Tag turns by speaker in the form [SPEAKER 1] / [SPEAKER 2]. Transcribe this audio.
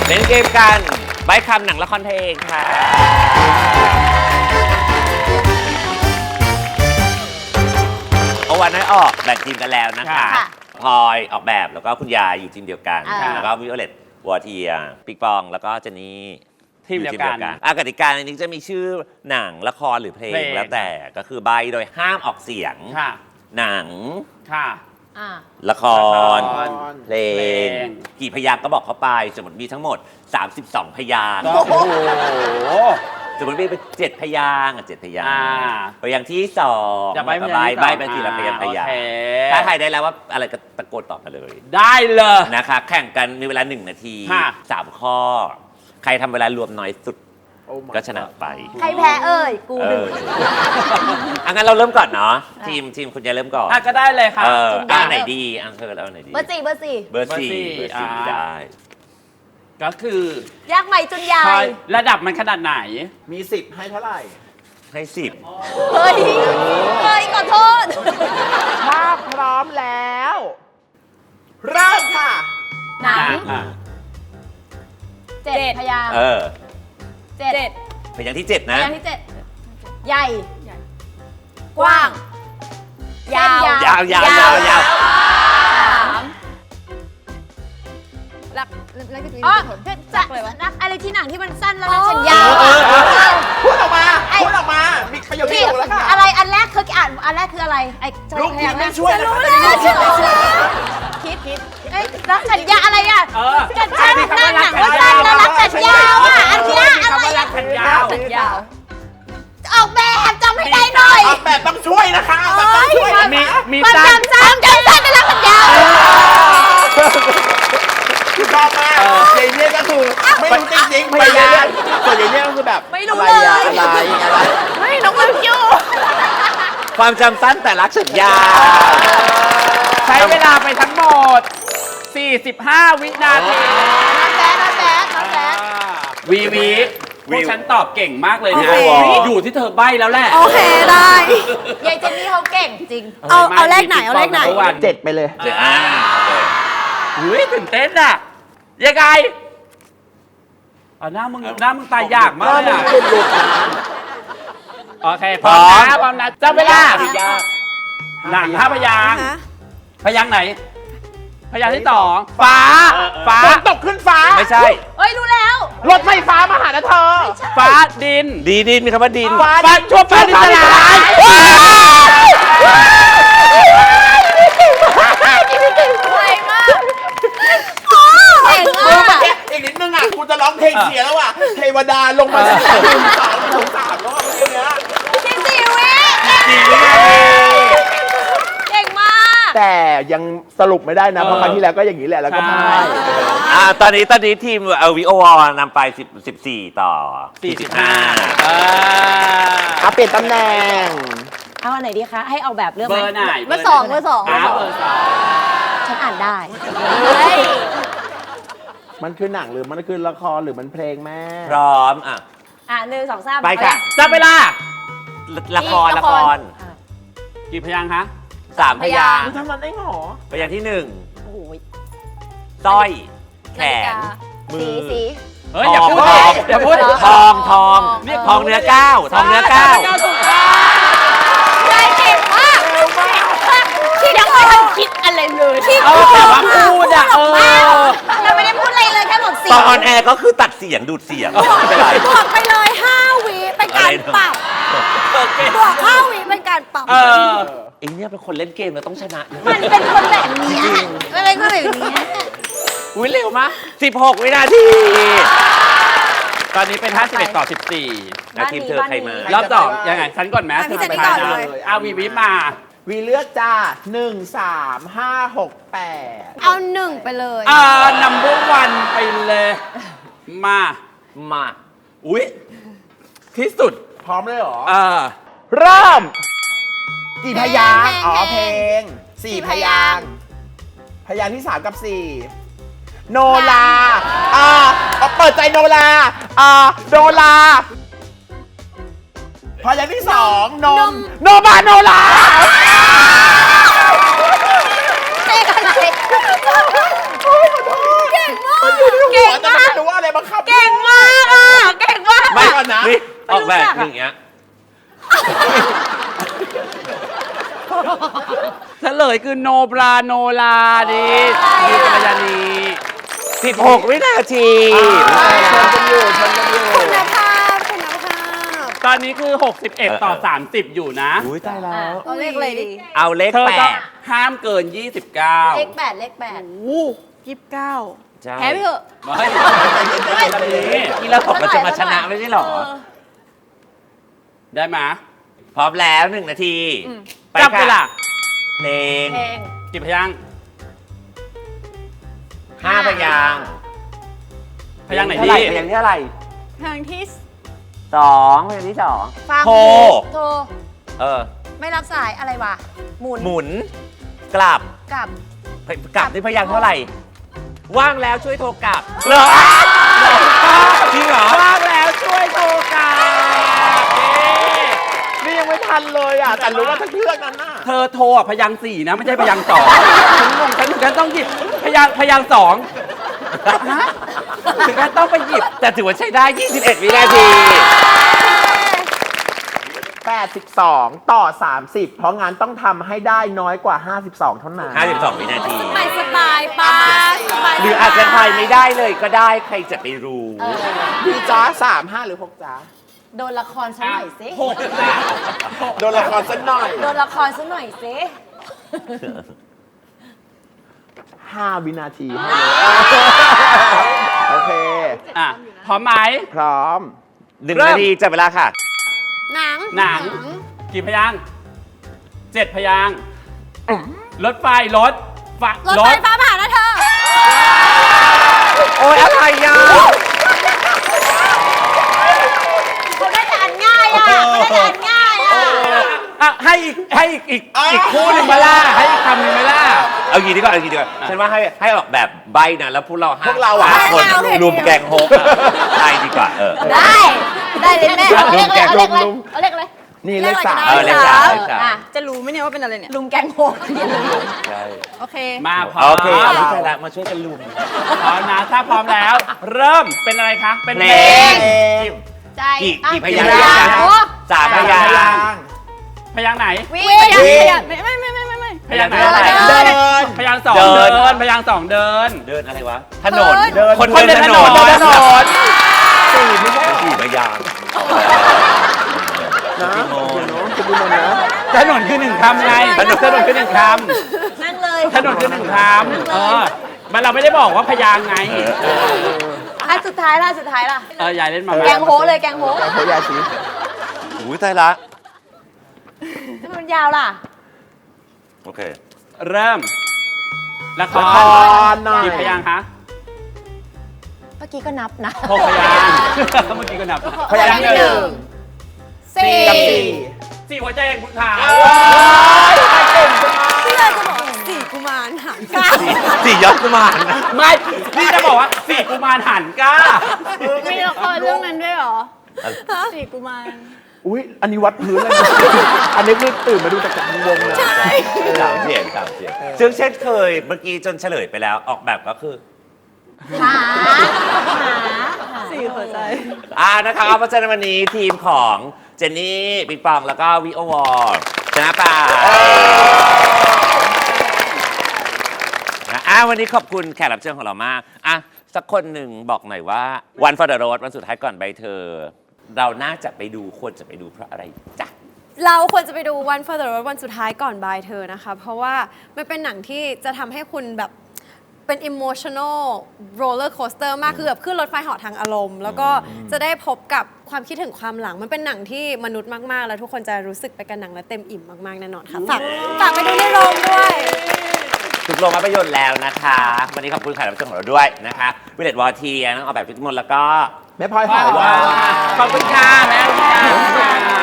[SPEAKER 1] เล่นเกมกันใบ้คำหนังละครเพลงค่ะเอาวันให้ออกแบ่งทีมกันแล้วนะคะพลอยออกแบบแล้วก็คุณยายอยู่ทีมเดียวกันแล้วก็วิโอเลตวอเทียปิกปองแล้วก็เจนนี่
[SPEAKER 2] ทีมเดียวกัน
[SPEAKER 1] กติกาในนี้จะมีชื่อหนังละครหรือเพลงแล้วแต่ก็คือใบโดยห้ามออกเสียงหนังละครเพลงกี่พยางค์ก็บอกเข้าไปสมมติมีทั้งหมด32พยางค์
[SPEAKER 2] โอ้โห
[SPEAKER 1] สมมติมีเป็น7พยางค์7พยางค์พยางค์ที่2
[SPEAKER 2] จะใบ
[SPEAKER 1] ไปทีละพยางค์ถ้าใครได้แล้วว่าอะไรก็ตะโกนตอบมาเลย
[SPEAKER 2] ได้เลย
[SPEAKER 1] นะคะแข่งกันมีเวลา1นาที3ข้อใครทำเวลารวมน้อยสุดก็ชนะไป
[SPEAKER 3] ใครแพ้กูหนึ่ง
[SPEAKER 1] งั้นเราเริ่มก่อนเนาะทีมคุณจะเริ่มก่อน
[SPEAKER 2] ก็ได้เลยค่ะ
[SPEAKER 1] ไหนดีเธอแล้วไหนดี
[SPEAKER 3] เบอร์สี่
[SPEAKER 1] ได้
[SPEAKER 2] ก็คื
[SPEAKER 3] อยากใหม่จนใหญ่
[SPEAKER 2] ระดับมันขนาดไหน
[SPEAKER 4] มี10ให้เท่าไหร่
[SPEAKER 1] ให้10
[SPEAKER 3] เฮ้ยขอโทษ
[SPEAKER 4] ถ้าพร้อมแล้วเริ่มค่ะ
[SPEAKER 3] หนัง7พยางค์
[SPEAKER 1] 7พยางค์ที่7นะ
[SPEAKER 3] พยางค์ที่7ใหญ่กว้างยาวจักเลยวะอะไรที่หนังที่มันสั้นแล้วฉันยาว
[SPEAKER 4] พูดออกมามีประโยชน์ที่ถูกแล้วค่ะ
[SPEAKER 3] อะไรอันแรกคืออ่านอันแรกคืออะไร
[SPEAKER 4] ลูกพี่ไม่ช่วย
[SPEAKER 3] รู้แล้วคิดรักสัญญาอะไรอ่ะกันฉันหนังว่าสั้นแล้วรักสัญญาอ่ะอันนี้อะไร
[SPEAKER 2] รักสัญญา
[SPEAKER 3] ออกแบบจำให้ได้หน่อย
[SPEAKER 4] ออกแบบต้องช่วยนะคะ
[SPEAKER 2] มีสั้น
[SPEAKER 3] เป็นรักสัญญา
[SPEAKER 4] ชอบมากเจเนี่ยก็คือไม่รู้จริงๆไปยากส่วนเจเนี่ยก็คือแบบ
[SPEAKER 3] ไม่รู้เลย
[SPEAKER 4] อะไร
[SPEAKER 3] ไม่น้องลืมอยู่
[SPEAKER 1] ความจำสั้นแต่รักสัญญา
[SPEAKER 2] ใช้เวลาไปทั้งหมด45วินาที
[SPEAKER 3] น้องแบ๊
[SPEAKER 2] วีพวกฉันตอบเก่งมากเลยนะอยู่ที่เธอใบ้แล้วแหละ
[SPEAKER 3] โอเคได้ยายเจนนี่เขาเก่งจริงเอาเลขไหน
[SPEAKER 4] 7ไปเลย
[SPEAKER 2] ตื่นเต้นอ่ะยังไงหน้ามึงตายยากมากเลยโอเคพร้อมนะจับเวลาหนัง5พยางค์พยางค์ไหนพยางค์ที่2ฟ้า
[SPEAKER 4] ตกขึ้นฟ้า
[SPEAKER 1] ไม่ใช่
[SPEAKER 3] รู้แล้ว
[SPEAKER 4] รถไฟฟ้ามาหานะเธอ
[SPEAKER 2] ฟ้าดิน
[SPEAKER 1] มีคำว่าดิน
[SPEAKER 2] ฟ้าชั่วฟ้าดินสลาย
[SPEAKER 4] อีกนิดนึงอ่ะกูจะร้องเพลงเสียแล้วอ่ะเทวดาลงมาจาก3แล้วอ่ะเมื่อกี้เนี้ย
[SPEAKER 3] 4 วิเก่งมาก
[SPEAKER 4] แต่ยังสรุปไม่ได้นะเพราะครั้งที่แล้วก็อย่างนี้แหละแล้วก็พ่าย
[SPEAKER 1] ตอนนี้ทีมวิโอวอนำไป14ต่อ45
[SPEAKER 4] เปลี่ยนตำแหน่ง
[SPEAKER 3] เอาอันไหนดีคะให้เอาแบบเลือกไหม
[SPEAKER 2] เบอร์ไหน
[SPEAKER 3] เบอร์2ฉันอ่านได้
[SPEAKER 4] มันคือหนังหรือมันคือละครหรือมันเพลงแม่
[SPEAKER 1] พร้อม
[SPEAKER 3] 1 2 3
[SPEAKER 1] ไปค่ะ
[SPEAKER 2] จับเวลา
[SPEAKER 1] ละคร
[SPEAKER 2] กี่พยางค์คะ
[SPEAKER 1] 3พยางค์
[SPEAKER 4] ทำมันได้หรอ
[SPEAKER 1] พยางค์ที่1สร้อยแขนมือ
[SPEAKER 2] อย่าพูด
[SPEAKER 1] ทองเนื้อก้าว
[SPEAKER 3] ได้เก่งมากที่ยังไม่ทันคิดอะไรเลยที่
[SPEAKER 2] แต่ว่าพูด
[SPEAKER 3] เราไม่ได้พูดอะไรเลยแค่บอกเสียง
[SPEAKER 1] ตอนออนแอร์ก็คือตัดเสียงดูดเสียง
[SPEAKER 3] บวกไปเลย5 วิเป็นการปรับบวก5 วิเป็นการปรับ
[SPEAKER 1] เนี่ยเป็นคนเล่นเกมแล้วต้องชนะ
[SPEAKER 3] มันเป็นคนแบบนี้อะไรก็แบบนี้
[SPEAKER 1] เร็วมาก16วินาที
[SPEAKER 2] ตอนนี้เป็น51ต่อ14
[SPEAKER 1] ทีมเธอใครมาร
[SPEAKER 2] อบ2ยังไงฉันก่อนไหม
[SPEAKER 3] เธอไปก่อนเลย
[SPEAKER 2] วีมา
[SPEAKER 4] วีเลือกจ้า1 3 5 6 8
[SPEAKER 3] เอา1ไปเลย
[SPEAKER 2] นัมเบอร์วันไปเลยมาอุ๊ยที่สุด
[SPEAKER 4] พร้อมเลยเหรอ
[SPEAKER 2] เริ่ม
[SPEAKER 4] กี่พยางค์เพลง4พยางค์พยางค์ที่3กับ4โนลาเปิดใจโนลาพยางค์ที่2โนบาโนลา
[SPEAKER 3] เก่งอะไรเก่งมาก
[SPEAKER 4] แต่ไม่รู้อะไร
[SPEAKER 1] แบ
[SPEAKER 3] จั
[SPEAKER 1] บ
[SPEAKER 3] ก
[SPEAKER 1] อย่างเงี้ย
[SPEAKER 2] เฉลยคือโนบราโนลาดิมีกัลยาณี
[SPEAKER 1] 16 วินาที
[SPEAKER 4] ชนกันอยู่ชนกันอยู่
[SPEAKER 3] คุณภาพคุณภาพ
[SPEAKER 2] ตอนนี้คือ 61 ต่อ 30 อยู่นะ
[SPEAKER 1] อุ้ยตายแล้ว
[SPEAKER 3] เอาเลขอะไรดิ
[SPEAKER 1] เอาเลข
[SPEAKER 2] เธอ
[SPEAKER 1] แป
[SPEAKER 2] ก็
[SPEAKER 1] ด
[SPEAKER 2] ห้ามเกิน
[SPEAKER 3] เลข
[SPEAKER 2] 29
[SPEAKER 3] 8เลข8
[SPEAKER 1] ใช่
[SPEAKER 3] แพ้ไปเถอะ
[SPEAKER 2] ไม่แบบนี้
[SPEAKER 1] นี่เราบอกเราจะมาชนะไม่ใช่หรอ
[SPEAKER 2] ได้ไหม
[SPEAKER 1] พร้อมแล้ว1 นาที ไป
[SPEAKER 2] จับเวลา
[SPEAKER 1] ค่ะเพลง
[SPEAKER 3] เพลง
[SPEAKER 2] กี่พยางค์
[SPEAKER 1] 5 พยางค์
[SPEAKER 2] พยางค์ไหน
[SPEAKER 1] เท่า
[SPEAKER 2] ดี
[SPEAKER 1] ไหร่พยางค์ที่เท่าไหร่
[SPEAKER 3] เพลงที่
[SPEAKER 1] 2พยางค์ที่
[SPEAKER 3] ฟัง
[SPEAKER 1] 2โทร
[SPEAKER 3] โทร
[SPEAKER 1] เออ
[SPEAKER 3] ไม่รับสายอะไรวะ หมุน
[SPEAKER 1] หมุน กลับ
[SPEAKER 3] กลับ
[SPEAKER 1] กลับที่พยางค์เท่าไหร่ ว่างแล้วช่วยโทรกลับเหรอจริงเหรอ
[SPEAKER 2] ว่างแล้วช่วยโทรกลับ
[SPEAKER 4] นี่ยังไม่ทันเลยอ่ะ แต่รู้ว่าทั้งเรื่องนั้นน่ะ
[SPEAKER 2] เธอโทรอ่ะพยางค์4นะ ไม่ใช่พยางค์2ฉันงงฉันถึงกันต้องหยิบพยางค์2ฮะถึงกันต้องไปหยิบ
[SPEAKER 1] แต่ถือว่าใช้ได้ 21 วินาที
[SPEAKER 4] 82 ต่อ 30 เพราะงานต้องทำให้ได้น้อยกว่า 52 เท่านั้น
[SPEAKER 1] 52 วินาที
[SPEAKER 3] ไปสบายปาสบาย
[SPEAKER 1] หรืออาจจะทายไม่ได้เลยก็ได้ใครจะไปรู้
[SPEAKER 4] พี่จ้า3 5 หรือ 6 จ้า
[SPEAKER 3] โดนละครซะหน่อยสิ
[SPEAKER 2] 6จ้ะ
[SPEAKER 4] โดนละครสักหน่อย
[SPEAKER 3] โดนละครซะหน่อยสิ
[SPEAKER 4] 5 วินาทีให้เลยโอเค
[SPEAKER 2] อ่ะพร้อมไหม
[SPEAKER 4] พร้อม
[SPEAKER 1] 1 นาทีจับเวลาค่ะ
[SPEAKER 3] หนัง
[SPEAKER 2] หนัง กี่พยางค์7 พยางค์รถไฟรถไฟ
[SPEAKER 3] รถไฟฟ้าผ่านนะเธอ
[SPEAKER 1] โอ้ยอะไรอ่ะ
[SPEAKER 3] เขาได้แต่อันง่ายอ่ะเขาได้แต่อันง่ายอ่ะ
[SPEAKER 2] อ่ะให้อีกคู่หนึ่งมาล่าให้อีกคำหนึ่งมาล่า
[SPEAKER 1] เอางี้ดีกว่าฉันว่าให้ออกแบบใบนะแล้วพวกเรา
[SPEAKER 4] พวกเราอะ
[SPEAKER 1] 5 คนรวมแกงโฮกใช่ดีกว่า
[SPEAKER 3] ได้เลยแม่เอาเลขเลยเอาเลขเลยเอาเลขเลย
[SPEAKER 4] นี่เลข
[SPEAKER 3] อะไรก็ได้
[SPEAKER 1] เลขสาม
[SPEAKER 3] อ่ะ
[SPEAKER 5] จะรู้ไหมเนี่ยว่าเป็นอะไรเนี่ย
[SPEAKER 3] ลุมแกงโฮก
[SPEAKER 1] ใช่
[SPEAKER 5] โอเค
[SPEAKER 2] มาพร้อ
[SPEAKER 1] โอ
[SPEAKER 2] ม
[SPEAKER 1] เคพี่ชายละมาช่วยกันลุม
[SPEAKER 2] พร้อมนะถ้าพร้อมแล้ว เริ่มเป็นอะไรคะ เป็นเพล
[SPEAKER 1] เพล
[SPEAKER 2] ง
[SPEAKER 1] ง
[SPEAKER 3] ใจ
[SPEAKER 1] กี่พยางค์
[SPEAKER 3] โอ้
[SPEAKER 1] 3 พยางค์
[SPEAKER 2] พยางค์ไหน
[SPEAKER 3] วิ
[SPEAKER 5] พยาง
[SPEAKER 3] วิ
[SPEAKER 5] พยางไม่
[SPEAKER 2] พยางค์ไหน
[SPEAKER 3] เดิน
[SPEAKER 2] พยางค์2
[SPEAKER 1] เดิ
[SPEAKER 2] เดิ
[SPEAKER 1] น
[SPEAKER 2] นพยางค์2เดิน
[SPEAKER 1] เดินอะไรวะ ถนน
[SPEAKER 3] เดิน
[SPEAKER 1] คนเดินถนน
[SPEAKER 2] เดินถนน
[SPEAKER 4] 4ไม่ใช่
[SPEAKER 1] กี่พยางค์
[SPEAKER 4] นะ
[SPEAKER 1] พี่โม
[SPEAKER 4] เดี๋ยวน้องจะดูมันนะ
[SPEAKER 2] ถนนคือ1 คำไงถนนคือ1 ค
[SPEAKER 3] นั่งเลย
[SPEAKER 2] ำถนนคือ1 คำมันเราไม่ได้บอกว่าพยางค์ไง
[SPEAKER 3] อ่ะสุดท้ายล่ะสุดท้ายล่ะ
[SPEAKER 2] ยายเล่นมา
[SPEAKER 3] แกงโฮเลยแกงโฮ
[SPEAKER 4] โคยาชี
[SPEAKER 1] อุ้ยตายละ
[SPEAKER 3] ทำไมมันยาวล่ะ
[SPEAKER 1] โอเค
[SPEAKER 2] เริ่มละค
[SPEAKER 4] ละค
[SPEAKER 2] ร
[SPEAKER 4] รหน่อย
[SPEAKER 2] กี่พยางค์คะ
[SPEAKER 3] เมื่อกี้ก็นับนะ
[SPEAKER 2] 6 พยางค์เมื่อกี้ก็นับ
[SPEAKER 4] พยางค์ที่
[SPEAKER 3] สี่
[SPEAKER 4] 1กับ
[SPEAKER 2] 4 หัวใจแห่งคุณขา
[SPEAKER 5] พี่เลยจะบอกสี่กุมารหางกา
[SPEAKER 1] สี่ยอดกุมารนะ
[SPEAKER 2] ไม่นี่จะบอกว่า4 กุมารหันก้า
[SPEAKER 5] มีละครเรื่องนั้นด้วยเหรอสี่กุมาร
[SPEAKER 4] 4 อุ้ยอันนี้วัดพื้นเลยอันนี้คือตื่นมาดูจากวงเลย
[SPEAKER 1] สามเสียงซึ่งเช่นเคยเมื่อกี้จนเฉลยไปแล้วออกแบบก็คือ
[SPEAKER 3] หา
[SPEAKER 5] สี่หัวใจ
[SPEAKER 1] นะคะเพราะฉะนั้นวันนี้ทีมของเจนนี่ปิงปองแล้วก็วิโอวอร์ชนะไปวันนี้ขอบคุณแขกรับเชิญของเรามากสักคนหนึ่งบอกหน่อยว่า One for the Road วันสุดท้ายก่อนใบเธอ เราน่าจะไปดูควรจะไปดูเพราะอะไรจ๊ะ
[SPEAKER 5] เราควรจะไปดู One for the Road วันสุดท้ายก่อนบายเธอนะคะ เพราะว่ามันเป็นหนังที่จะทำให้คุณแบบเป็น emotional roller coaster มากคือแบบขึ้นรถไฟเหาะทางอารมณ์ แล้วก็จะได้พบกับความคิดถึงความหลัง มันเป็นหนังที่มนุษย์มาก ๆ แล้วทุกคนจะรู้สึกไปกับหนังและเต็มอิ่มมาก ๆ แน่นอนค่ะฝากไปดูในโรงด้วย
[SPEAKER 1] ทุกโรงภาพยนตร์แล้วนะคะ วันนี้ขอบคุณแขกรับเชิญของเราด้วยนะคะวิเลตวอเทียน้องออกแบบทุกมนแล้วก็
[SPEAKER 4] แม่พลอยหอยว่า
[SPEAKER 2] ขอบคุณค่ะแม่